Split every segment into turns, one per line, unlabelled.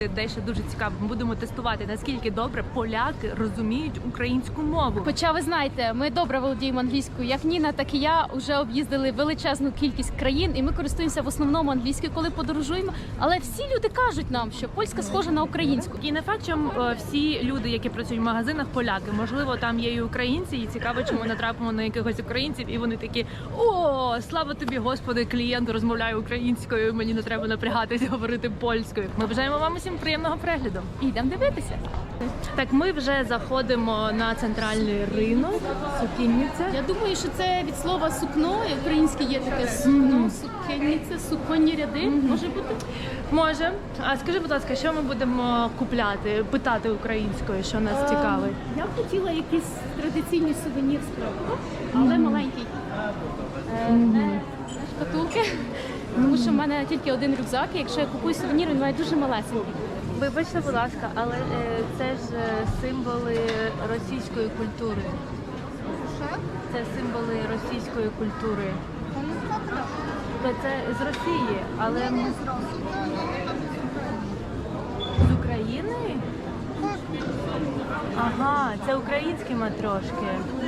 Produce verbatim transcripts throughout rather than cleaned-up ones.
Дещо дуже цікаво. Ми будемо тестувати, наскільки добре поляки розуміють українську мову.
Хоча ви знаєте, ми добре володіємо англійською. Як Ніна, так і я вже об'їздили величезну кількість країн, і ми користуємося в основному англійською, коли подорожуємо. Але всі люди кажуть нам, що польська схожа на українську.
І не факт, що е, всі люди, які працюють в магазинах, поляки. Можливо, там є і українці, і цікаво, чому натрапимо на якихось українців, і вони такі: о, слава тобі, Господи, клієнт розмовляє українською, мені не треба напрягатися говорити польською. Ми бажаємо вам усім приємного перегляду.
І йдемо дивитися.
Так, ми вже заходимо на центральний ринок, Сукінниця.
Я думаю, що це від слова сукно, і українське є таке сукно, сукенниця, суконні ряди. Може бути?
Може. А скажи, будь ласка, що ми будемо купляти, питати українською, що нас цікавить?
Я б хотіла якийсь традиційний сувенір з Кракова, але маленький. Е, Не шкатулки, тому що в мене тільки один рюкзак, і якщо я купую сувенір, він має дуже малесенький.
Вибачте, будь ласка, але е, це ж е, символи російської культури. Це символи російської культури. То це з Росії, але ми з України? Ага, це українські матрошки.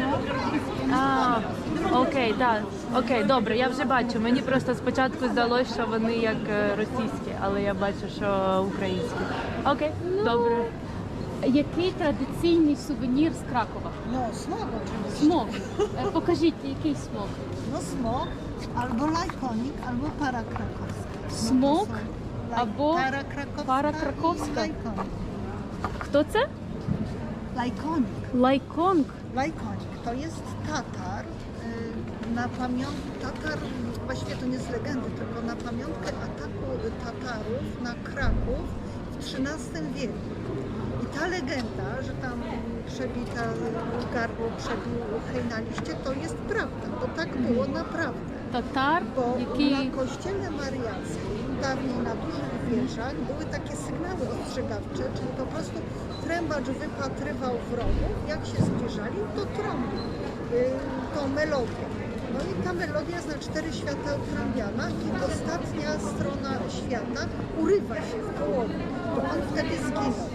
А, окей, так. Окей, добре, я вже бачу. Мені просто спочатку здалося, що вони як е, російські, але я бачу, що українські. Окей, добре.
Який традиційний сувенір з Кракова?
No, smog oczywiście.
Смок. Е, Покажіть, який смок.
No smog, albo lajkonik, albo para krakowska. No to
Smog,
są laj-
albo
para krakowska,
para
i
krakowska.
lajkonik.
Хто це?
Lajkonik.
Лайконг.
Lajkonik to jest Tatar y, na pamiątkę, Tatar, właściwie to nie z legendy, tylko na pamiątkę ataku Tatarów na Kraków w trzynastym wieku. I ta legenda, że tam przebita gardło, przebił hej na liście, to jest prawda, bo tak było naprawdę.
Татар,
Bo
який
na kościele mariackim, dawniej na dużych wieżach, były takie sygnały ostrzegawcze, czyli po prostu trębacz wypatrywał wrogów, jak się zbliżali, to trąbił y, tą melodię. No i ta melodia jest na cztery świata utrąbiana i ostatnia strona świata urywa się w połowie, bo on wtedy zginął.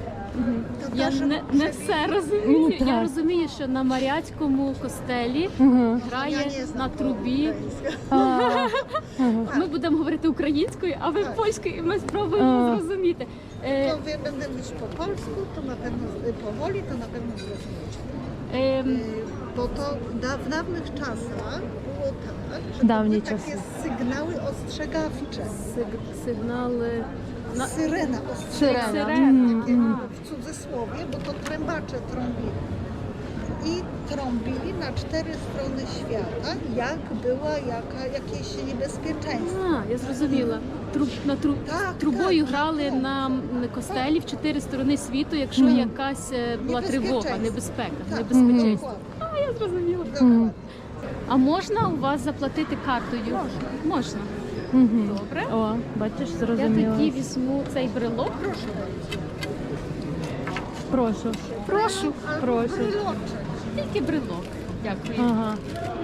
я
Tatarze
не, не все розумію. Я розумію, що на Маріатському костелі грає
Ja nie znam
на трубі.
ukraińskiego.
Ми будемо говорити українською, а ви
Так.
польською, і ми спробуємо зрозуміти. Е,
To wie, będę mówić po polsku, to na pewno y, powoli, to na pewno zrozumiecie.
ем,
Y, Bo to da, w dawnych czasach było tak, że to
Dawniej
były takie
czasy.
sygnały ostrzegawcze.
сиг- сигнали на
Syrena ostrzegawcza.
Сирена.
Takie w cudzysłowie, bo to trębacze trąbili. I trąbili na cztery strony świata, jak była jaka, jakieś niebezpieczeństwo.
А, я зрозуміла. Труб, на труб,
Так,
трубою
так,
грали
так.
на м, костелі в чотири сторони світу, якщо якась е, була тривога, небезпека,
Tak,
небезпеченство.
dokładnie,
А, я зрозуміла.
dokładnie.
А можна у вас заплатити картою? Можна. Можна. Добре.
О, бачиш,
Я
зрозуміло.
тоді візьму цей брелок.
Proszę bardzo.
Прошу.
Прошу.
Прошу.
Bryloczek.
Тільки брелок. Дякую.
Ага.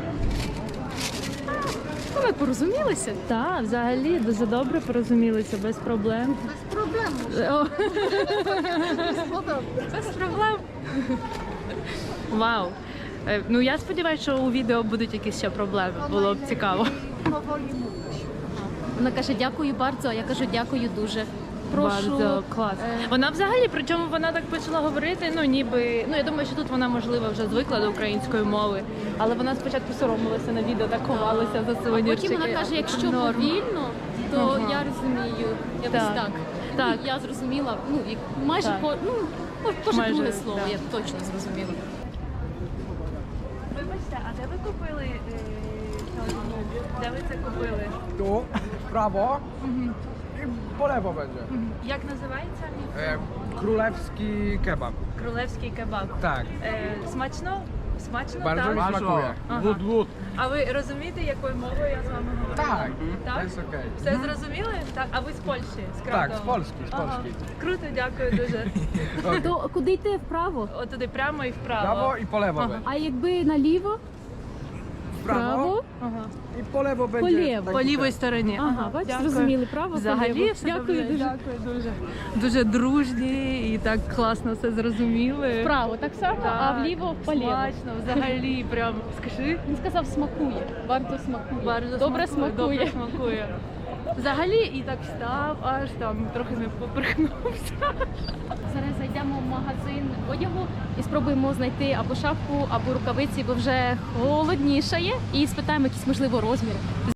Ну, ми порозумілися.
Так, взагалі дуже добре порозумілися, без проблем.
Bez problemu.
О,
Jest podobne.
без проблем. Вау. Е, Ну я сподіваюся, що у відео будуть якісь ще проблеми. Було б цікаво.
Powoli mówić.
Вона каже, дякую bardzo, а я кажу, дякую дуже. Прошу.
Bardzo клас.
е,
Вона взагалі, причому вона так почала говорити, ну ніби, ну я думаю, що тут вона можливо вже звикла до української мови, але вона спочатку соромилася на відео, так ховалася за
А
сувенірчики.
потім вона каже, якщо
Норм.
повільно, то
Ага.
я розумію. Я
Так.
ось так.
Так.
Ну, я зрозуміла, ну, як майже
Так.
по, ну, ко- кожне
Майже,
друге слово,
так.
я точно зрозуміла.
Вибачте, а де ви купили е, Де ви це купили?
Tu, w prawo i po lewo będzie.
Як називається?
E, królewski kebab.
Кролевський кебаб.
Tak,
Е, смачно? Смачно,
bardzo mi
так?
smakuje.
Ага.
Lód, lód.
А ви розумієте, якою мовою я з вами говорю?
Tak,
Tak?
to jest okej.
Все зрозуміли? Так, а ви з Польщі? З
Так,
Кракова?
з Польщі, з
Ага.
Польщі.
Круто, дякую дуже.
То куди йти вправо?
От туди прямо і вправо.
Prawo i po lewo
Aha.
będzie.
А якби наліво?
prawo
Ага.
i po lewo będzie.
lewo.
taki
По лівій
ten.
стороні.
Ага, бачиш,
Дякую.
зрозуміли, право,
Взагалі,
поліво.
все
Дякую
добре.
дуже.
Дякую дуже. Дуже дружні і так класно все зрозуміли.
Вправо так само, а
Так,
вліво поліво.
Смачно, взагалі, прям скажи.
Він сказав, смакує. Варто смакує.
Bardzo
Добре
смакує,
смакує.
Добре смакує. Взагалі і так став, аж там трохи не поперхнувся.
Зараз зайдемо в магазин одягу і спробуємо знайти або шапку, або рукавиці, бо вже холоднішає. І спитаємо якісь можливо розміри.